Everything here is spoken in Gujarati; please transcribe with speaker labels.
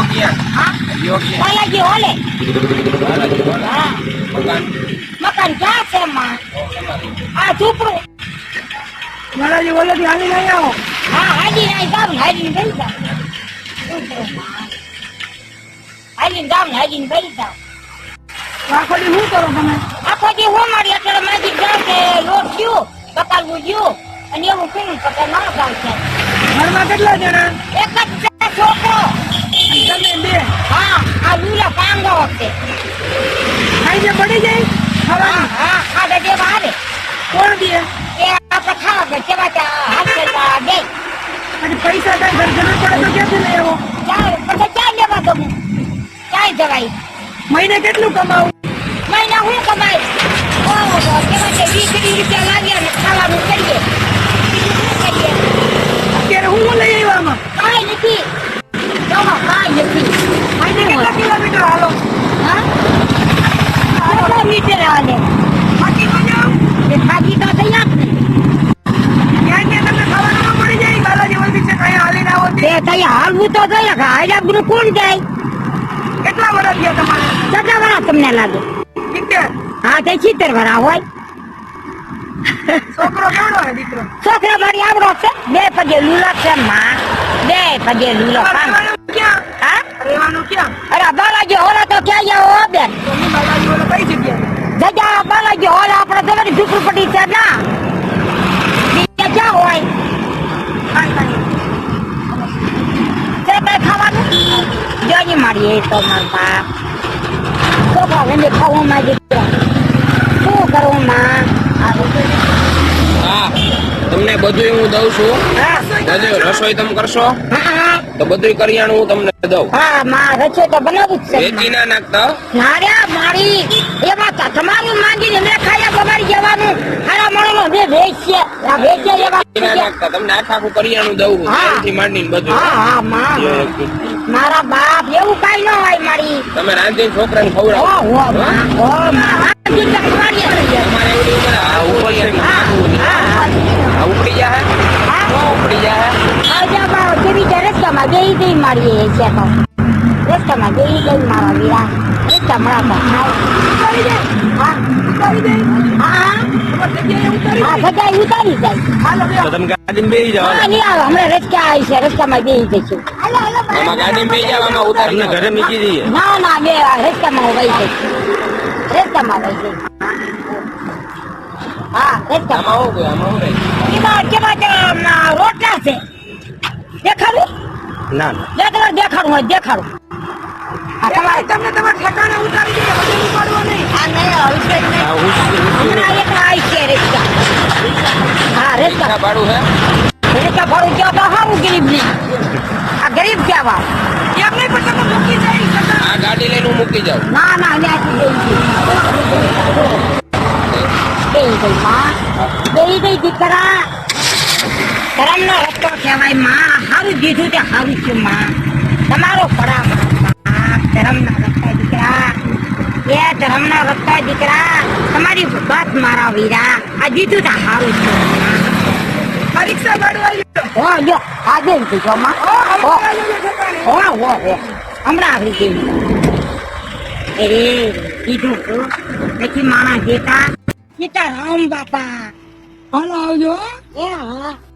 Speaker 1: બાલાજી હોલે. હા મકાન ક્યાં છે માં? આ ઝૂંપડું.
Speaker 2: બાલાજી ઓલે થી હાલી નહીં આવો.
Speaker 1: હા હાજી નહીં જાવ ને હાજી ગઈ જાવ. હાજી જાવ ને હાજી ગઈ જાવ.
Speaker 2: આખો દી શું કરો તમે?
Speaker 1: આખો દી હું મારી અત્યારે માજી જાવ કે લોટ ગયું પકાવવું ગયું અને એવું કર્યું તો કે ના જાવ છે.
Speaker 2: ઘરમાં કેટલા જણા?
Speaker 1: એક જ છે છોકરો.
Speaker 2: તમે બે?
Speaker 1: હા આ લુલા પાંગો છે.
Speaker 2: ખાઈને પડી જાય
Speaker 1: હા હા ખાધા દેવા આવે.
Speaker 2: કોણ દે?
Speaker 1: એ આપણે ખાવા કે કેવા હાથ દે.
Speaker 2: અને પૈસા કઈ ઘર જરૂર પડે તો ક્યાંથી લઈ આવો?
Speaker 1: પછી ક્યાં લેવા દઉં? ક્યાં જવાય?
Speaker 2: મહિને કેટલું કમાવું?
Speaker 1: મહિના હું કમાય? ઓહો કેવા છે 20 રૂપિયા લાગ્યા ને ખાવાનું કરીએ.
Speaker 2: અત્યારે હું લઈ આવ્યો આમાં?
Speaker 1: કાંઈ નથી. કાંઈ નથી.
Speaker 2: મહિને કેટલા કિલોમીટર હાલો?
Speaker 1: હા કેટલા મીટર હાલે?
Speaker 2: બાકી તો જાઓ.
Speaker 1: એ થાકી તો થઈ આપ ને.
Speaker 2: ત્યાં તમને ખાવાનું ન મળી જાય? બાલાજી વલ્દી છે કઈ હાલીને આવો તે?
Speaker 1: તે તઈ હાલવું તો જોઈએ કે હાલ્યા બધું કોણ જાય?
Speaker 2: કેટલા વર્ષ ગયા તમારે?
Speaker 1: કેટલા વાર તમને લાગે?
Speaker 2: 70.
Speaker 1: હા તે 70 વાર હોય.
Speaker 2: છોકરો કેવડો હે દીકરો?
Speaker 1: છોકરા મારી આવડો છે. 2 પગે લૂલો છે માં. 2 પગે લૂલો.
Speaker 2: રહેવાનું ક્યાં?
Speaker 1: હા
Speaker 2: રહેવાનું ક્યાં?
Speaker 1: અરે બાલાજી હોલા તો ક્યાં જાઓ બેન?
Speaker 2: તમે બાલાજી ઓલો કઈ જગ્યાએ?
Speaker 1: જગ્યા બાલાજી હોલા આપણે તમારી ઝૂંપડપટ્ટી છે ના બીજે ક્યાં હોય? છે કઈ ખાવાનું? જોઈ મારી એ તો મારા બાપ છોકરા વેંદે ખાવું માંગે શું કરવું માં?
Speaker 3: હા તમને બધું હું દઉં છું.
Speaker 1: હા
Speaker 3: બધું રસોઈ તમે કરશો
Speaker 1: હા
Speaker 3: તો બધું કરિયાણું હું તમને દઉં.
Speaker 1: હા માં રસોઈ તો બનાવું જ છે
Speaker 3: વેચી ના નાખતા.
Speaker 1: નાર્યા મારી એમાં તમારું માંગીને મેં ખાયા બગાડી જવાનું. હારા મળો મેં વેચીએ આ વેચીએ એવા
Speaker 3: વેચી ના નાખતા તમને આખું કરિયાણું દઉં.
Speaker 1: હા.
Speaker 3: ત્યાંથી માંડીને બધું.
Speaker 1: હા હા માં મારા બાપ એવું કઈ ન હોય મારી.
Speaker 3: તમે રાંધીને છોકરાને
Speaker 1: ઓ
Speaker 3: ખવડાવો.
Speaker 1: હો માં ઓ માં
Speaker 3: તમારે એવડી ઉંમરે આ ઉપર છે ને નાખવું નહીં. આ ઉપડી જાય ઉપડી જાય.
Speaker 1: રસ્તામાં જઈ જઈ મારી છે તો રસ્તામાં જઈ જઈ મારા વીરા રસ્તા મળાતા હા જગ્યાએ ઉતારી જાય.
Speaker 3: તો તમે ગાડીમાં બેસી જાઓ.
Speaker 1: હા નહીં આવે હમણાં રસ્તા આવી છે રસ્તામાં બેસી જઈશું.
Speaker 3: આમાં ગાડીમાં બેસી જાઓ. આમાં ઉતારીને ઘરે મૂકી દઈએ.
Speaker 1: ના ના બે રસ્તામાં વહી જઈશું. રસ્તામાં વહી જઈશું. હા રસ્તામાં
Speaker 3: આમાં શું આમાં શું રહે?
Speaker 1: એમાં કેવા રોટલા છે દેખાડું?
Speaker 3: ના
Speaker 1: જે તમારે દેખાડું હોય દેખાડું. આ તમારે
Speaker 2: તમને તમારા ઠેકાણે ઉતારી દઈએ, હવે ઉપાડવો નહીં.
Speaker 1: આ નહીં આવશે જ નહીં. હમણાં એક આવી છે રસ્તા. હા રસ્તા
Speaker 3: રિક્ષા ભાડું હે?
Speaker 1: રસ્તા ભાડું કયો તો સારું ગરીબ નહીં. આ ગરીબ કહેવા.
Speaker 2: એમ નહીં પણ તમે મૂકી જાય.
Speaker 3: આ ગાડી લઈને હું મૂકી જાઉં.
Speaker 1: ના ના ત્યાંથી બેસી ગઈ માં બેસી ગઈ દીકરા. ધર્મનો રસ્તો કહેવાય માં. સારું દીધું તે સારું છે માં. તમારો પડા ધર્મના રસ્તા દીકરા. એ ધર્મના રસ્તા દીકરા તમારી વાત મારા વીરા. આ દીધું તે સારું છે.
Speaker 2: પરીક્ષા ભાડું આવી ગયું.
Speaker 1: હો જો આજે જ દીધો માં. હો હો હમણાં આવી ગઈ. અરે કીધું તું નથી માણસ દેતા સીતારામ બાપા.
Speaker 2: હાલો આવજો.
Speaker 1: એ હા